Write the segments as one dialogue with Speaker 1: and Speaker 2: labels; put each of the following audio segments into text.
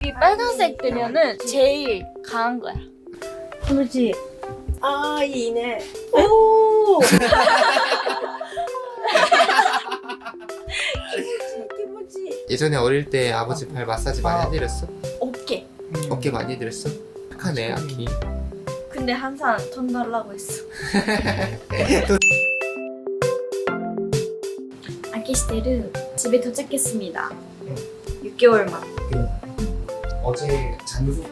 Speaker 1: 여기 빨간색 되면은 제일 강한 거야.
Speaker 2: 気持ちいい。ああ、いいね。おお。気持ちいい、気持ちいい。
Speaker 3: 예전에 어릴 때 아버지 발 마사지 많이 해드렸어?
Speaker 1: 어깨.
Speaker 3: 어깨 많이 해드렸어? 착하네 아키.
Speaker 1: 근데 항상 돈 달라고 했어. 아키시테르 집에 도착했습니다. 6개월 만.
Speaker 3: 어제 잔소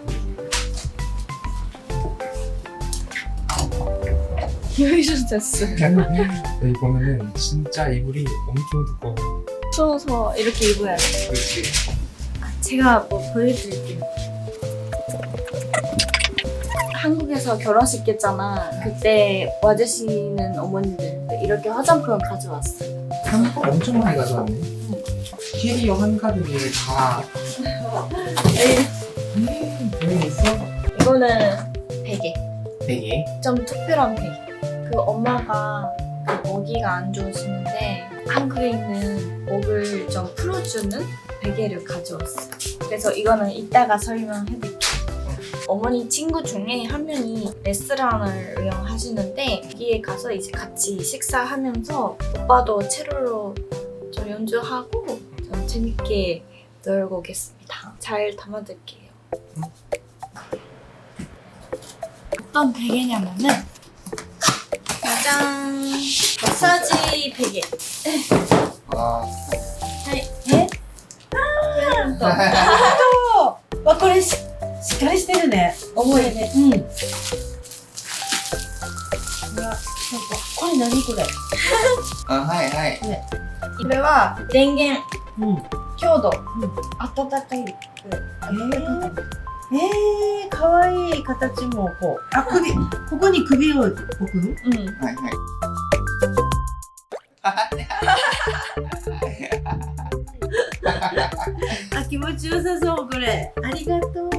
Speaker 1: 여기서 잤어.
Speaker 3: 여기 보면은 진짜 이불이 엄청 두꺼워.
Speaker 1: 추워서 이렇게 입어야 돼.
Speaker 3: 그렇지.
Speaker 1: 제가 뭐 보여드릴게요. 한국에서 결혼식 했잖아. 그때 와주시는 어머니들 이렇게 화장품 가져왔어요.
Speaker 3: 한국 엄청 많이 가져왔네. 캐리어 한가득에 다. 여기 있어?
Speaker 1: 이거는 베개.
Speaker 3: 되게.
Speaker 1: 좀 특별한 베개. 그 엄마가 그 모기가 안 좋으시는데 한국에 있는 목을 좀 풀어주는 베개를 가져왔어요. 그래서 이거는 이따가 설명해드릴게요. 어머니 친구 중에 한 명이 레스토랑을 운영하시는데 거기에 가서 이제 같이 식사하면서 오빠도 체로로 좀 연주하고 좀 재밌게 놀고 오겠습니다. 잘 담아둘게요. 어떤 베개냐면은 짜잔! 마사지 베개.
Speaker 3: 아.
Speaker 1: はい。
Speaker 2: わ、これしっかりしてるね。
Speaker 1: 重いね。
Speaker 2: うん。うわ、なんかこれ何これ。
Speaker 3: 아, 하이, 하이.
Speaker 1: これは電源、
Speaker 2: うん。
Speaker 1: 強度、
Speaker 2: ん
Speaker 1: 温かい。
Speaker 2: かわいい形もこう。あ、首、ここに首を置く。
Speaker 1: うん。
Speaker 3: 하이, 하이.
Speaker 2: あ、気持ちよさそうこれ。ありがとう。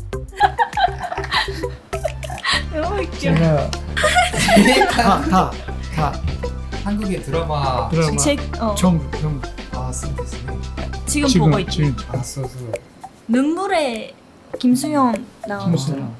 Speaker 1: 너무 웃겨.
Speaker 4: 제가 다
Speaker 3: 한국의 드라마.
Speaker 4: 드라마
Speaker 1: 어.
Speaker 4: 전부
Speaker 3: 아, 쓰겠네.
Speaker 1: 지금 보고 있지.
Speaker 4: 지금
Speaker 3: 아, 써서.
Speaker 1: 눈물의 김수현 나오는.
Speaker 4: 김수현.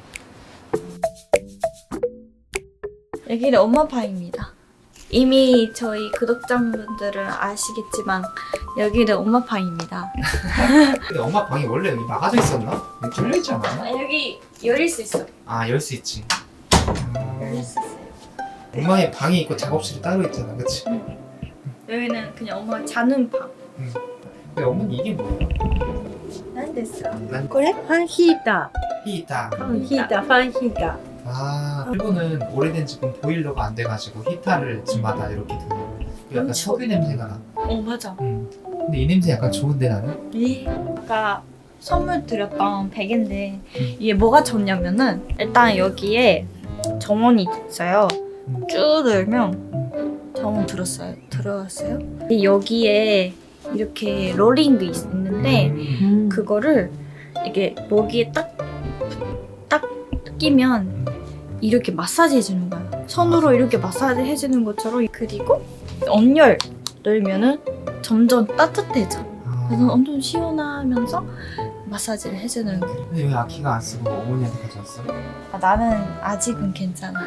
Speaker 1: 여기는 엄마 방입니다. 이미 저희 구독자분들은 아시겠지만 여기는 엄마 방입니다.
Speaker 3: 근데 엄마 방이 원래 여기 막아져 있었나? 여기 뚫려 있지 않았나?
Speaker 1: 여기 열릴 수 있어.
Speaker 3: 아, 열 수 있지.
Speaker 1: 열릴 수 있어요.
Speaker 3: 엄마의 방이 있고 작업실이 따로 있잖아, 그치?
Speaker 1: 여기는 그냥 엄마가 자는 방.
Speaker 3: 근데 어머니 이게 뭐야?
Speaker 1: 난 됐어.
Speaker 2: これファンヒータ
Speaker 3: 히타.
Speaker 2: ー。ファンヒーター、ファンヒーター。
Speaker 3: 아, 일본은 오래된 집은 보일러가 안 돼가지고 히타를 집마다 이렇게 두는. 약간
Speaker 1: 그렇죠.
Speaker 3: 석유 냄새가 나.
Speaker 1: 어 맞아.
Speaker 3: 근데 이 냄새 약간 좋은데 나는?
Speaker 1: 아까 선물 드렸던 베개인데 이게 뭐가 좋냐면은 일단 여기에 정원이 있어요. 쭉 늘면 정원 들어왔어요. 여기에 이렇게 롤링도 있는데 그거를 이게 모기에 딱 끼면 이렇게 마사지 해주는 거야. 손으로 이렇게 마사지 해주는 것처럼. 그리고 온열 넣으면은 점점 따뜻해져. 그래서 엄청 시원하면서 마사지를 해주는 거야.
Speaker 3: 근데 왜 아키가 안 쓰고 어머니한테 가져왔어?
Speaker 1: 나는 아직은 괜찮아.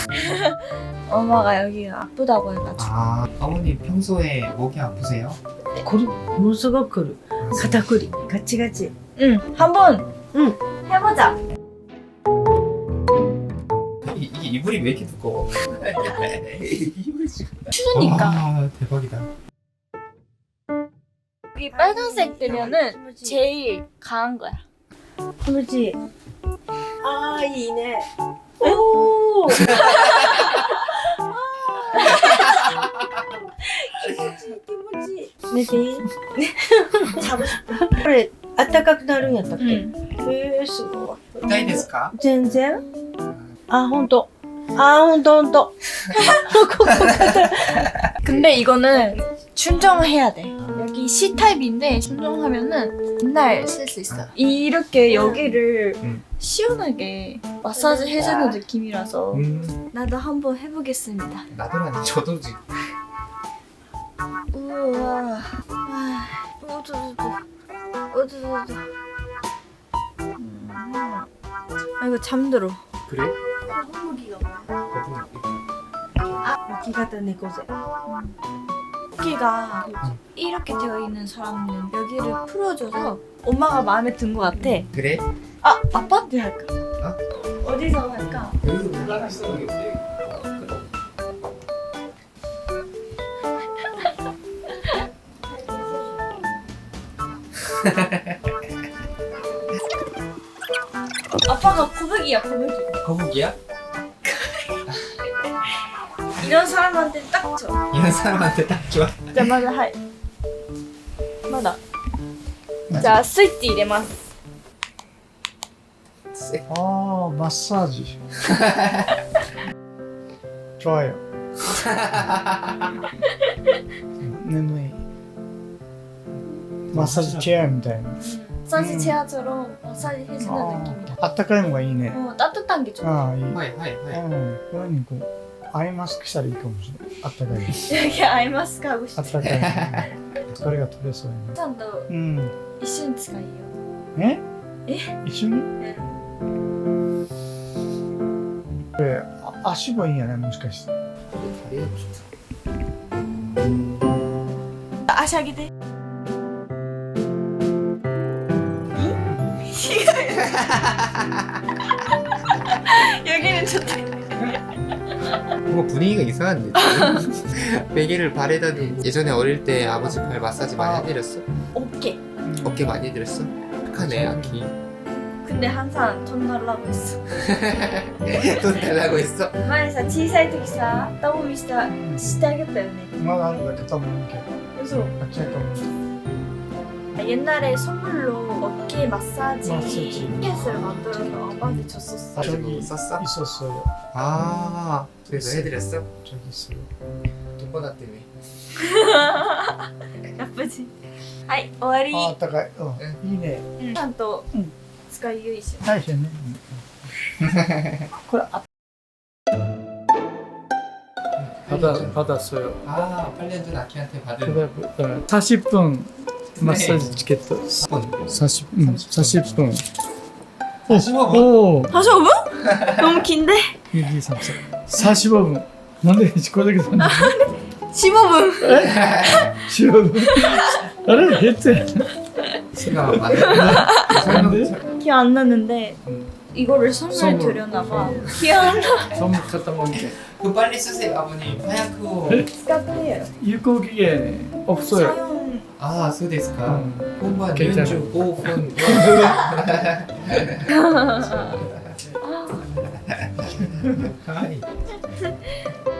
Speaker 1: 엄마가 여기가 아프다고 해가지고.
Speaker 3: 아, 어머니 평소에 목이 아프세요?
Speaker 2: これものすごくくる。肩こり、ガチガチ。
Speaker 1: 응, 한번
Speaker 2: 응.
Speaker 1: 해보자.
Speaker 3: 이게 이불이 왜 이렇게 두꺼워? 이불이 지금.
Speaker 1: 추우니까.
Speaker 3: 아, 대박이다.
Speaker 1: 여기 빨간색 되면은 제일 강한 거야.
Speaker 2: 気持ちいい。ああ、いいね。おお。気持ちいい、気持ちいい。寝ていい？
Speaker 1: 자고 싶어.
Speaker 2: これ、あったかくなるんやったっけ？
Speaker 1: 응.
Speaker 2: すごい。
Speaker 3: 痛いですか?
Speaker 2: 全然？あ、ほんと。あ、ほんとほんと。
Speaker 1: 근데 이거는 충전해야 돼. 여기 C타입인데 충전하면은 맨날 쓸 수 있어. 이렇게 여기를 시원하게 마사지 해주는 느낌이라서 나도 한번 해보겠습니다.
Speaker 3: 나도라니 저도 지금.
Speaker 1: 우와. 아, 어두두두. 어두두두. 이거 잠들어.
Speaker 3: 그래?
Speaker 2: 거북이가 뭐야?
Speaker 3: 거북이.
Speaker 2: 여기가다 내고제.
Speaker 1: 여기가 이렇게 되어 있는 사람은 여기를 풀어줘서 엄마가 마음에 든 것 같아.
Speaker 3: 그래?
Speaker 1: 아, 아빠한테 할까? 어디서 할까?
Speaker 3: 여기서 올라갔어.
Speaker 1: 아빠가 거북이야, 거북이.
Speaker 3: 거북이야?
Speaker 1: 이런 사람한테 딱 좋아.
Speaker 3: 이런 사람한테 딱 좋아.
Speaker 1: 자,まだはい。まだ。じゃあスイッチ入れます。
Speaker 4: 아 마사지. 좋아요.眠い. 마사지 체어 みたいな.
Speaker 1: 마사지 체어처럼 마사지 해주는 느낌이다.
Speaker 4: あったかいのがいいね.
Speaker 1: 따뜻한 게 좋아.
Speaker 4: 아, 이.
Speaker 3: 하이 하이 하이.
Speaker 4: こういうにこうアイマスクしたらいいかもしれない。あったかい。
Speaker 1: 여기 아이마스크 하고
Speaker 4: あ
Speaker 1: 싶어.
Speaker 4: ったかい。疲れが取れそうやね。
Speaker 1: 산도
Speaker 4: うん。
Speaker 1: 이슈는使いよ.
Speaker 4: え？
Speaker 1: え？
Speaker 4: 一緒に？これ足もいいんやねもしかして。
Speaker 3: 다리가 좋다.
Speaker 1: 아시아기대. 여기는 좋다.
Speaker 3: 뭔가 분위기가 이상한데 지금? 베개를 발에다 두고 예전에 어릴 때 아버지 발 마사지 많이 해드렸어?
Speaker 1: 어깨.
Speaker 3: 어깨 많이 해드렸어? 착하네 아키.
Speaker 1: 근데 항상 돈 달라고 했어.
Speaker 3: 돈 달라고 했어?
Speaker 1: 前さ小さい時さタボミしてあげたよね。
Speaker 4: まだあるだけ多分いいけど。
Speaker 1: 그래서
Speaker 4: あっちやと思う。
Speaker 1: 옛날에 선물로 어깨 마사지
Speaker 4: 마사지.
Speaker 1: 티켓을 만들어서 아빠한테 줬었어.
Speaker 4: 저기
Speaker 3: 썼어?
Speaker 4: 있었어요.
Speaker 3: 아 그래서 해드렸어?
Speaker 4: 저기 있어요.
Speaker 3: 돈 받았대며.
Speaker 1: 나쁘지? はい終わり。
Speaker 4: あったかい。うん。いいね。
Speaker 1: ちゃんと
Speaker 4: うん
Speaker 1: 使いよいしょ。
Speaker 4: 大丈夫ね。これあ
Speaker 5: 받았어요.
Speaker 3: 아 8년 전 아키한테 받은
Speaker 5: 그다음에 40분 마사지 티켓.
Speaker 3: 10분
Speaker 5: 40분.
Speaker 3: 45분?
Speaker 5: 오,
Speaker 1: 45분? 너무 긴데?
Speaker 5: 1, 2, 3, 4. 45분.なんでこれだけなんだ
Speaker 1: 15분.
Speaker 5: 15분. あれ減って。
Speaker 3: 시가 많네.
Speaker 1: 기억 안 나는데
Speaker 3: 음.
Speaker 1: 이거를 선물
Speaker 5: 선물.
Speaker 1: 드렸나 봐. 기억 안 나.
Speaker 5: 선물 갖다 먹게.
Speaker 3: 그 빨리 쓰세요 아버님. 하얗고.
Speaker 1: 使ってよ。
Speaker 5: 유효 기간 없어요.
Speaker 1: 사용.
Speaker 3: 아そうですか.
Speaker 5: 음.
Speaker 3: 본반
Speaker 5: 괜찮아.
Speaker 3: 45분. 하이.